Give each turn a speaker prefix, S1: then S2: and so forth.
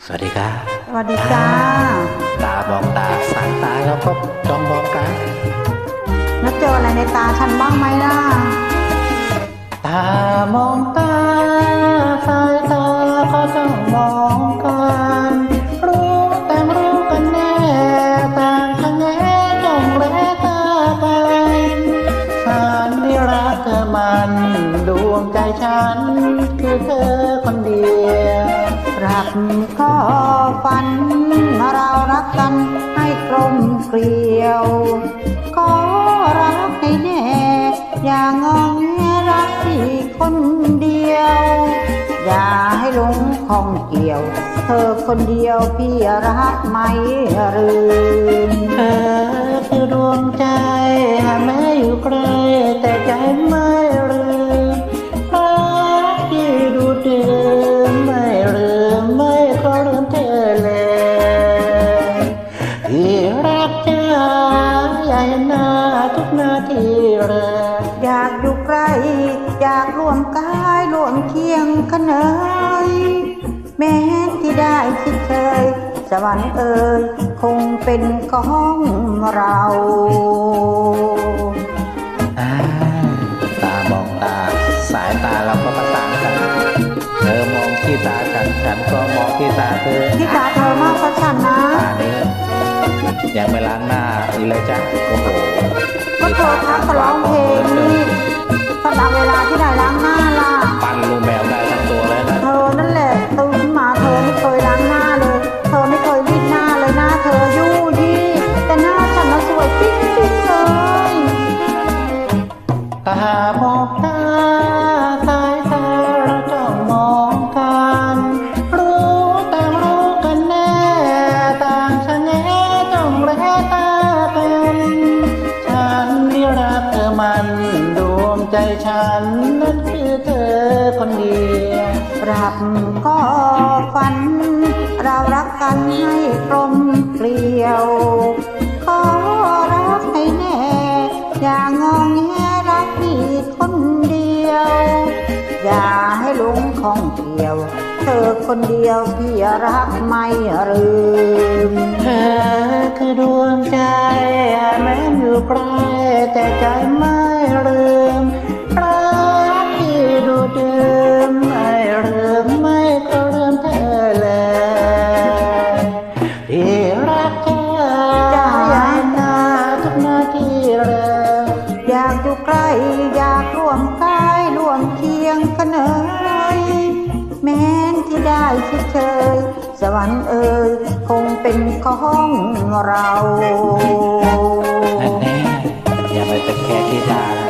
S1: สวัสดีครับ
S2: สวัสดีจ้า
S1: ตามองตาสายตาแล้วก็จ้องมองกัน
S2: แล้วเจออะไรในตาฉันบ้างไหมล่ะ
S1: ตามองตาสายตาก็จ้องมองกันรู้แต่รู้กันแน่ต่างกันแน่จ้องแลตาไปฉันนี่รักเธอมันดวงใจฉันคือเธอคนเดียว
S2: รักก็ฝันเรารักกันให้กลมเกลียวก็รักให้แน่อย่างงองแงรักที่คนเดียว อย่าให้หลงข้องเกี่ยวเธอคนเดียวพี่รักไม่ลืม
S1: เธอคือดวงใจแม้อยู่ไกลแต่ใจไม่ลืมรักที่ดูดื่มไม่ลืมไม่ขอลืมเธอเลยที่รักจะอย่าเห็นหน้าทุกนาทีเลย
S2: อยากอยู่ใกล้อยากร่วมกายร่วมเคียงกันเอ่ยแม้ที่ได้คิดเคยสวรรค์เอ่ยคงเป็นของเรา
S1: ตามองตาสายตาเราก็ประสานกันเธอมองที่ตาฉันก็มองที่ตาเธอ
S2: ที่ตาเธอมากกว่าฉันนะ
S1: ตานี้ยังไม่ล้างหน้าอีกเลยจ้ะโอ้โห
S2: ก็เธอทักก็ร้องเพลงนี่พอเอาเวลาที่ไหนล้างหน้าล่ะ
S1: ปั้นลูกแมวได้ทั้งตัวเลยนะ
S2: เธอนั่นแหละตื่นมาเธอไม่เคยล้างหน้าเลยเธอไม่เคยรีดหน้าเลยหน้าเธอยู่ยี่แต่หน้าฉันน่ะสวยปิ๊งปิ๊งเลย
S1: ตามองตาสายตาเราจ้องมองกันรู้แต่รู้กันแน่ต่างชะแงจ้องแลตาเป็นฉันที่รักเธอมันดวงใจฉันนั้นคือเธอคนเดียว
S2: รักก็ฝันเรารักกันให้กลมเกลียวขอรักให้แน่อย่างงองแงรักพี่คนเดียวอย่าให้หลงข้องเกี่ยวเธอคนเดียวพี่รักไม่ลืม
S1: เธอคือดวงใจแม้อยู่ไกลแต่ใจไม่ลืมรักที่ดูดื่มไม่ลืมไม่ก็ลืมเธอเลยที่รักเธอ
S2: จะ
S1: อยากหน้าทุกนาทีเลย
S2: อยากอยู่ใกล้อยากร่วมกายร่วมเคียงกันเอ่ยแม้นที่ได้คิดเคยสวรรค์เอ่ยคงเป็นของเรา
S1: แน่อย่าไปเป็นแค่ที่ตา